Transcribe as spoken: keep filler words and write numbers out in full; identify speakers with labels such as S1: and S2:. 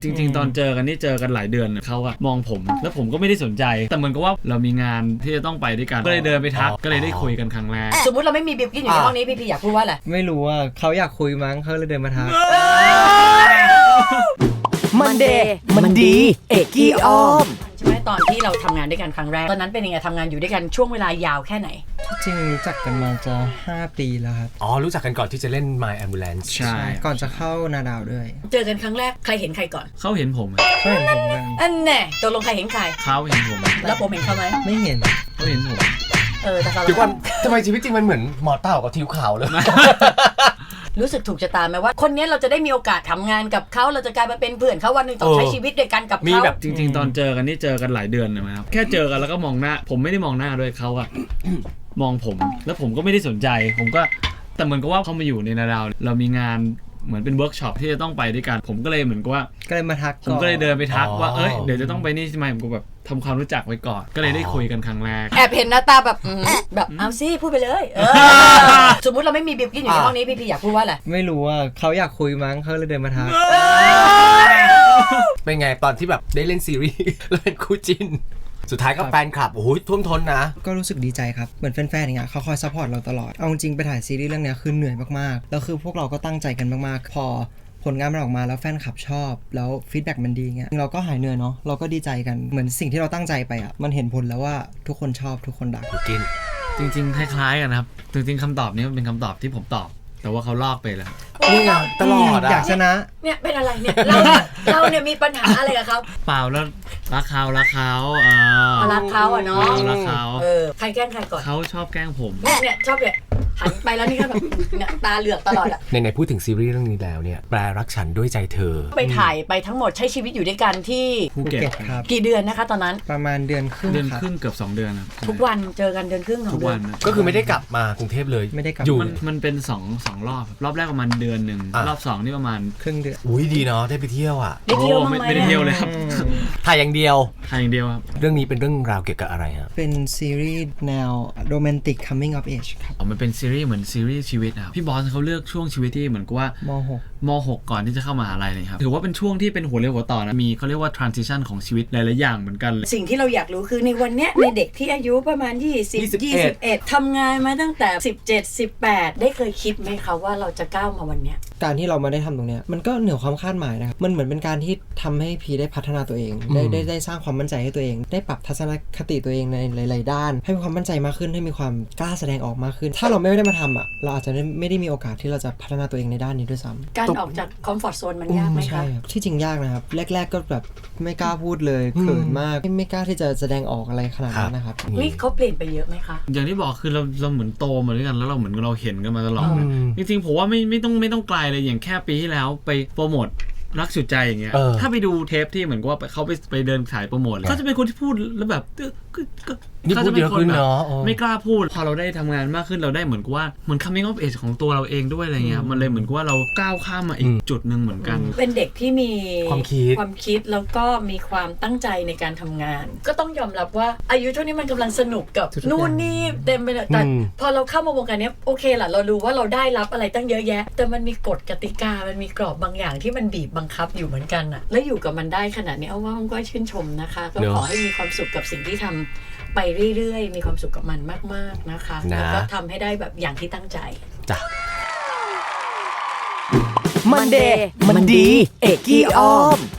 S1: จริงๆตอนเจอกันนี่เจอกันหลายเดือนเขาอะมองผมแล้วผมก็ไม่ได้สนใจแต่เหมือนกับว่าเรามีงานที่จะต้องไปด้วยกันก็เลยเดินไปทักก็เลยได้คุยกันครั้งแรก
S2: สมมติเราไม่มีบิวกิ้นอยู่ในห้องนี้พี่พีอยากพูดว่าอะไร
S3: ไม่รู้ว่าเขาอยากคุยมั้งเขาเลยเดินมาทัก
S4: มันเดย์มันดีเอกกี้อ้อม
S2: ใช่ไหมตอนที่เราทำงานด้วยกันครั้งแรกตอนนั้นเป็นยังไงทำงานอยู่ด้วยกันช่วงเวลายาวแค่ไหน
S3: จริงรู้จักกันมาจะห้าปีแล้วครับ
S5: อ๋อรู้จักกันก่อนที่จะเล่น My Ambulance
S1: ใช่
S3: ก่อนจะเข้านาดาวด้วย
S2: เจอกันครั้งแรกใครเห็นใครก่อน
S1: เขาเห็นผม
S3: เขาเห็นผมกัน
S2: อันแน่ตกลงใครเห็นใคร
S1: เขาเห็นผม
S2: แล้วผมเห็นเขาไหม
S3: ไม่เห็น
S1: เขาเห็นผม
S2: เออแต่เขา
S5: เดี๋ยวก่อนทำไมชีวิตจริงมันเหมือนหมอเต่ากับทิวขาวเลย
S2: รู้สึกถูกชะตาไหมว่าคนนี้เราจะได้มีโอกาสทำงานกับเขาเราจะกลายมาเป็นเพื่อนเขาวันหนึ่งต้องใช้ชีวิตด้วยกันกับเขา
S1: จริงๆตอนเจอกันนี่เจอกันหลายเดือนนะครับแค่เจอกันแล้วก็มองหน้าผมไม่ได้มองหน้าด้วยเขาอะมองผมแล้วผมก็ไม่ได้สนใจผมก็แต่เหมือนกับว่าเขามาอยู่ในนาดาวเรามีงานเหมือนเป็นเวิร์กช็อปที่จะต้องไปด้วยกันผมก็เลยเหมือนกับว่า
S3: ก็เลยมาทัก
S1: ผมก็เลยเดินไปทักว่าเอ้ยเดี๋ยวจะต้องไปนี่ใช่ไหมผมก็แบบทำความรู้จักไว้ก่อนก็เลยได้คุยกันครั้งแรก
S2: แอบเห็นหน้าตาแบบแบบเอาซิพูดไปเลยสมมติเราไม่มีบิวกิ้นอยู่ในห้องนี้พี่พีอยากพูดว่าอะไร
S3: ไม่รู้ว่าเขาอยากคุยมั้งเขาเลยเดินมาทัก
S5: เป็นไงตอนที่แบบได้เล่นซีรีส์แล้วเป็นคู่จิ้นสุดท้ายก็แฟนคลับโอ้โหท่วมท้นนะ
S3: ก็รู้สึกดีใจครับเหมือนแฟนๆอย่างเงี้ยเขาคอยซัพพอร์ตเราตลอดเอาจริงไปถ่ายซีรีส์เรื่องนี้คือเหนื่อยมากๆแล้วคือพวกเราก็ตั้งใจกันมากๆพอผลงานมันออกมาแล้วแฟนคลับชอบแล้วฟีดแบ็กมันดีเงี้ยเราก็หายเหนื่อยเนาะเราก็ดีใจกันเหมือนสิ่งที่เราตั้งใจไปอ่ะมันเห็นผลแล้วว่าทุกคนชอบทุกคนรัก
S5: กิน
S1: จริงๆคล้ายๆกันนะครับจริงๆคำตอบนี้มันเป็นคำตอบที่ผมตอบแต่ว่าเขาลอกไปแล้ว
S5: นี่ไงตลอด
S3: อยากชนะ
S2: เนี่ยเป็นอะไรเนี่ยเราเราเนี่ยมีปัญหาอะไรกับเขา
S1: เปล่าแล้วรักเขารักเขาเอ
S2: อรักเขาอ่ะเนาะ
S1: รักเขา
S2: เออใครแกล้งใครก่อน
S1: เขาชอบแกล้งผม
S2: เนี่ยชอบเนี่ยหันไปแล้วนี่ก็แบบเนี่ยตาเหลือกตลอดอ่ะ
S5: ในในพูดถึงซีรีส์เรื่องนี้แล้วเนี่ยแปลรักฉันด้วยใจเธอ
S2: ไปถ่ายไปทั้งหมดใช้ชีวิตอยู่ด้วยกันที่
S1: ภูเก็ต
S3: ครับ
S2: กี่เดือนนะคะตอนนั้น
S3: ประมาณเดือนครึ่ง
S1: เดือนครึ่งเกือบสองเดือนครับ
S2: ทุกวันเจอกันเดือนครึ่ง
S1: ทุกวัน
S5: ก็คือไม่ได้กลับมากรุงเทพเลย
S3: ไม่ได้กลับ
S1: อยู่มันเป็นสองสองรอบรอบแรกประมาณเดือนหนึ่งรอบสองนี่ประมาณ
S3: ครึ่งเดือน
S5: อุ้ยดีเนาะได้ไปเที่ยวอ่ะ
S2: ได้เที่ยว
S1: มั้ยไม่ได้เที่ยวเลยครับ
S5: ถ่ายอย่างเดียว
S1: ถ่ายอย่างเดียวครับ
S5: เรื่องนี้เป็นเรื่องราวเกี่ยวกับอะไรฮะ
S3: เป็นซีรีส์แนวโรแมนติก coming of age ครับ
S1: อ๋อมันเป็นซีรีส์เหมือนซีรีส์ชีวิตครับพี่บอสเขาเลือกช่วงชีวิตที่เหมือนกับว่าม
S3: หก
S1: ม หกก่อนที่จะเข้ามหาลัยเลยครับถือว่าเป็นช่วงที่เป็นหัวเรียวหัวต่อนะมีเขาเรียกว่า transition ของชีวิตหลายๆอย่างเหมือนกัน
S2: สิ่งที่เราอยากรู้คือในวันเนี้ยในเด็กที่อายุประมาณยี่สิบ ยี่สิบเอ็ดทำงานมาตั้งแต่สิบเจ็ด สิบแปดได้เคยคิดไหมคะว่าเราจะก้าวมาวันเนี้ย
S3: การที่เรามาได้ทำตรงเนี้ยมันก็เหนือความคาดหมายนะครับมันเหมือนเป็นการที่ทำให้พีได้พัฒนาตัวเองได้ได้ได้สร้างความมั่นใจให้ตัวเองได้ปรับทัศนคติตัวเองในหลายๆด้านให้มีความมั่นใจมากขึ้นให้มีความกล้าแสดงออกมากขึ้นถ้าเราไม่ได้มาทำอ่ะเราอาจจะไม่ได้มีโอกาสที่เราจะพัฒนาตัวเองในด้านนี้ด้วยซ้
S2: ำการออกจากคอมฟอร์ทโซนมันยากไหมคะ
S3: ที่จริงยากนะครับแรกๆก็แบบไม่กล้าพูดเลยเขินมากไม่กล้าที่จะแสดงออกอะไรขนาดนั้นนะครับ
S2: นี่เขาเปลี่ยนไปเยอะไหมคะ
S1: อย่างที่บอกคือเราเราเหมือนโตมาด้วยกันแล้วเราเหมือนเราเห็นกันมาตลอดนะจริงๆผมว่าไม่ไม่ต้องไม่ต้องไกลเลยอย่างแค่ปีที่แล้วไปโปรโมทรักสุดใจอย่างเงี้ยถ้าไปดูเทปที่เหมือนว่าเขาไปไปเดินขายโปรโมทเขาจะเป็นคนที่พูดแล้วแบบ
S5: เขาจะเป็นคนแบบ
S1: ไม่กล้าพูดพอเราได้ทำงานมากขึ้นเราได้เหมือนกับว่าเหมือน coming of age ของตัวเราเองด้วยอะไรเงี้ยมันเลยเหมือนกับว่าเราก้าวข้ามมาอีกจุดนึงเหมือนกัน
S2: เป็นเด็กที่มี
S5: ความคิด
S2: ความคิดแล้วก็มีความตั้งใจในการทำงานก็ต้องยอมรับว่าอายุเท่านี้มันกำลังสนุกกับนู่นนี่เต็มไปเลยแต่พอเราเข้ามาวงการนี้โอเคล่ะเรารู้ว่าเราได้รับอะไรตั้งเยอะแยะแต่มันมีกฎกติกามันมีกรอบบางอย่างที่มันบีบบังคับอยู่เหมือนกันอะและอยู่กับมันได้ขนาดนี้เอาว่ามันก็ชื่นชมนะคะก็ขอให้มีความสุขกับสิ่งที่ทำไปเรื่อยๆมีความสุขกับมันมากๆนะคะแล้วก็ทำให้ได้แบบอย่างที่ตั้งใจ
S5: จ้ะ
S4: มันเดย์มันดีเอกกี้อ้อม